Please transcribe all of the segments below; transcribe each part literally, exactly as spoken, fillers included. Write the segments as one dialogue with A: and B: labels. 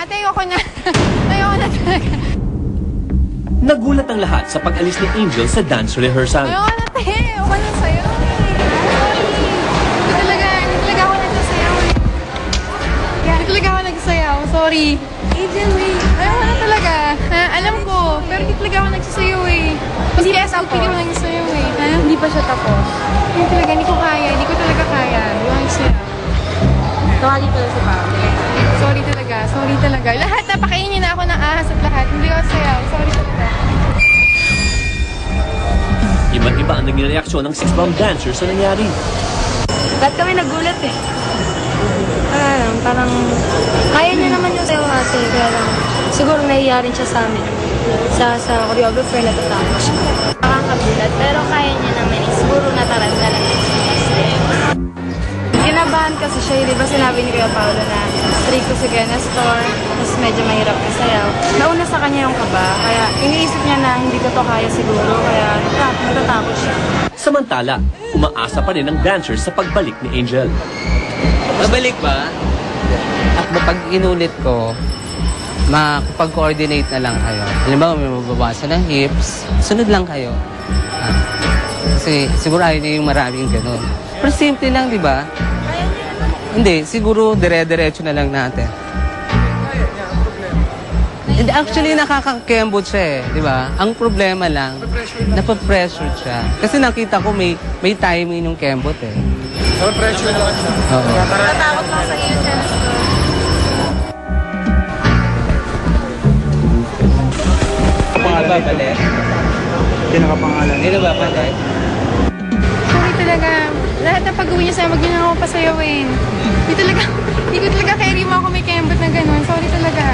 A: ate, ayoko na. Ayoko na talaga.
B: Nagulat ang lahat sa pag-alis ni Angel sa dance rehearsal.
A: Ayoko na, te. Ayoko na sa'yo. Hindi talaga, hindi talaga ako nagsasayaw. Hindi talaga ako nagsasayaw. Sorry. Angel, wait. Ayoko na talaga. Ha? Alam ko, pero hindi talaga ako nagsasayaw eh. Hindi pa S O P, hindi ako nagsasayaw eh. Ha?
C: Hindi pa siya tapos.
A: Hindi talaga, hindi ko kaya. Hindi ko talaga kaya. Hindi ako nagsasayaw.
C: Tawagin ko lang si Pao.
A: Sorry talaga, sorry talaga. Lahat, napakainin na ako ng ahas at lahat. Hindi ako sayaw. Sorry talaga.
B: Iba't iba ang naging reaksyon ng six-bomb dancers sa nangyari.
C: Ba't kami nagulat eh? Ah, parang kaya niya naman yung sayo ate. Kaya lang, siguro nahiya rin siya sa amin. Sa, sa choreographer na tatapos siya. Nakakagulat, pero kaya niya naman eh. Siguro nataranta lang siya. Kinabahan kasi siya, di ba sinabi ni Kuya Paolo na stricto si Kuya Nestor, tapos medyo mahirap na sayaw. Nauna sa kanya yung kaba, kaya iniisip niya na hindi ko to kaya siguro, kaya natatakot siya.
B: Samantala, umaasa pa rin ang dancers sa pagbalik ni Angel.
D: Babalik ba? At pag inulit ko, makapag-coordinate na lang kayo. Halimbawa, may mababawasan ng hips, sunod lang kayo. Ah, kasi siguro ayaw niya yung maraming ganun. Pero simple lang, di ba? Hindi, siguro dire-diretso na lang natin. And actually, nakaka-kembot siya eh, di ba? Ang problema lang, napapressure siya. Kasi nakita ko may may timing yung kembot eh.
E: Napapressure lang siya.
D: Oo.
C: Natatakot lang sa iyo, Kuya Nestor.
D: Pangalan ba palit?
E: Hindi nakapangalan.
D: Hindi na ba palit?
A: Sorry talaga. Lahat na pag-uwi niya sa'yo, wag niyo na ako pasayawin. Hindi talaga, hindi ko talaga carry mo ako may kembot na gano'n. Sorry talaga.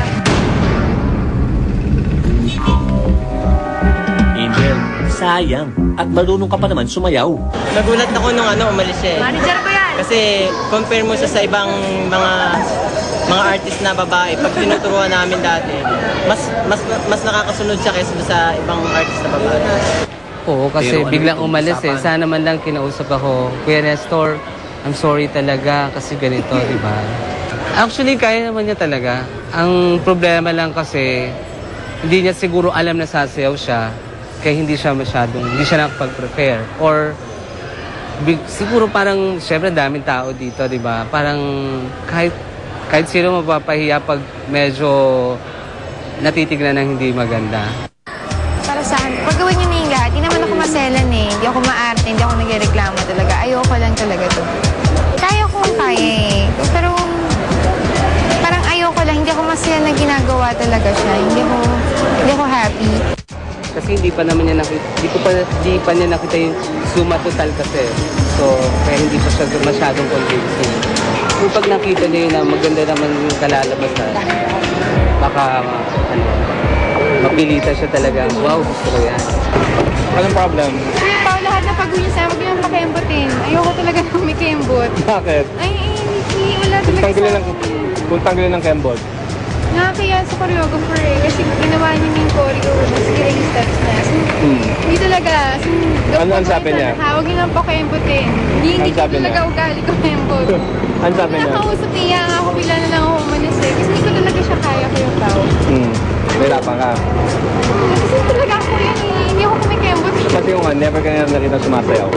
B: Angel, sayang. At marunong ka pa naman sumayaw.
F: Nagulat ako nung ano, umalis siya eh.
C: Manager ko yan!
F: Kasi compare mo siya sa ibang mga mga artist na babae, pag tinuturuan namin dati, mas mas mas nakakasunod siya kaysa sa ibang artist na babae.
D: Oo, kasi
B: Pero ano
D: biglang
B: yung
D: umalis eh.
B: usapan?
D: Sana man lang kinausap ako, Kuya Nestor, I'm sorry talaga kasi ganito, di ba? Actually, kaya naman niya talaga. Ang problema lang kasi, hindi niya siguro alam na sasayaw siya, kaya hindi siya masyadong, hindi siya nakapag-prepare. Or, big, siguro parang, syempre daming tao dito, di ba? Parang kahit, kahit sino mapapahiya pag medyo natitignan ng hindi maganda.
A: Para saan? Pag gawin niyo na yung lahat, hindi naman ako maselan eh. Hindi ako maarte, hindi ako nagreklamo talaga. Ayoko lang talaga to. Kaya kong kaya eh. Pero parang ayoko lang, hindi ako masaya na ginagawa talaga siya. Hindi ako, hindi ako happy.
D: Kasi hindi pa naman niya nakita, hindi, ko pa, hindi pa niya nakita yung suma total kasi. So, kaya hindi pa siya masyadong convincing. Kung pag nakita niya yun na maganda naman yung kalalabasan, baka, ano, mapilita siya talaga. Wow, gusto ko yan.
E: Anong problem?
A: Kuya Pao, lahat na pag-uwi niya sa'yo, wag niyo nang pakembotin. Ayoko talaga nang may kembot.
E: Bakit?
A: Ay, eh, Nikki, wala
E: Kung
A: talaga
E: tanggalin ng,
A: sa akin.
E: kung tanggalin ng kembot.
A: Nakakaya sa choreographer eh. Kasi ginawa niya yung choreo na sige yung steps na. So,
E: Hmm.
A: hindi talaga. So,
E: Ano ang sabi niya?
A: Huwag niyo nang pakembotin. Hindi, hindi
E: Ano
A: ko
E: sabi
A: talaga
E: niya?
A: ugali ko kembot.
E: Ano sabi niya?
A: Nakausap niya nga ako, bila na lang ako umalis eh. Kasi hindi ko talaga siya kaya ko yung tao.
E: Hmm. Nahirapan ka.
A: Kasi talaga ako yan eh. Hindi ako kumikembot.
E: Kasi yung nga, never ka na nakita sumasayaw.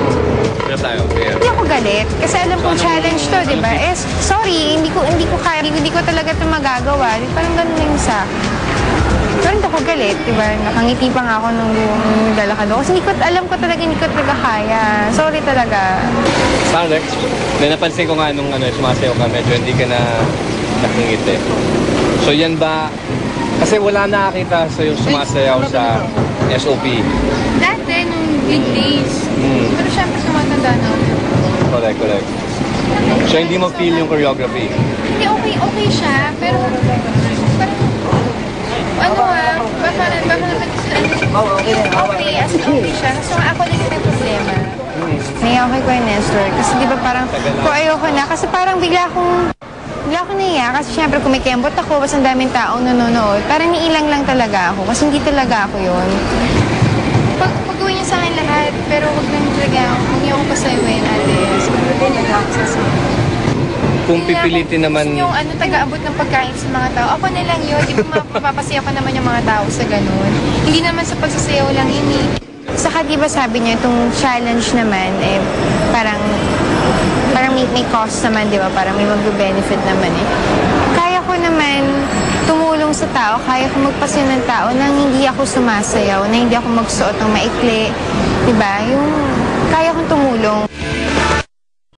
A: Hindi ako galit. Kasi alam kong challenge to, di ba? Eh, sorry, hindi ko hindi ko kaya, hindi ko talaga ito magagawa. Di, parang ganun na yung sa akin. Pero hindi ako galit, di ba? Nakangiti pa nga ako nung lalakad ako. Kasi hindi ko, alam ko talaga, hindi ko talaga kaya. Sorry talaga.
E: Parang Rex, may napansin ko nga nung ano, sumasayaw ka, medyo hindi ka na nakingiti. So yan ba, kasi wala nakakita sa yung sumasayaw sa S O P.
A: Dati, nung big days.
E: Hmm.
A: Pero syempre, sumatanda na ako.
E: Correct, correct. So hindi mo feel yung choreography?
A: Hindi, okay, okay siya. Pero, parang, ano ah, baka, baka naman okay, okay, as in okay siya. So, ako din yung may problema. Naiya ako kay Kuya Nestor. Kasi di ba parang, kung ayoko na, kasi parang bigla akong, bigla akong naiya. Kasi syempre, kung may kembot ako, mas ang daming taong nanonood. Parang niilang lang talaga ako. Kasi hindi talaga ako yun. Pag, pag-gawin niya sa akin lahat, pero huwag lang talaga, huwag niyo ako pasayawin, ate. Siguro talaga ako sasayin.
E: kung
A: Yun lang,
E: pipilitin
A: kung
E: naman...
A: gusto yung ano, taga-abot ng pagkain sa mga tao, ako na lang yun. Di ba mapapasaya ko naman yung mga tao sa ganun. Hindi naman sa pagsasayaw lang yun eh. Saka di ba sabi niya, itong challenge naman, eh, parang, parang may, may cost naman, di ba? Parang may mag-benefit naman eh. Kaya ko naman tumulong sa tao, kaya ko magpasya ng tao nang hindi ako sumasayaw, na hindi ako magsuot ng maikli, di ba? Yung kaya kong tumulong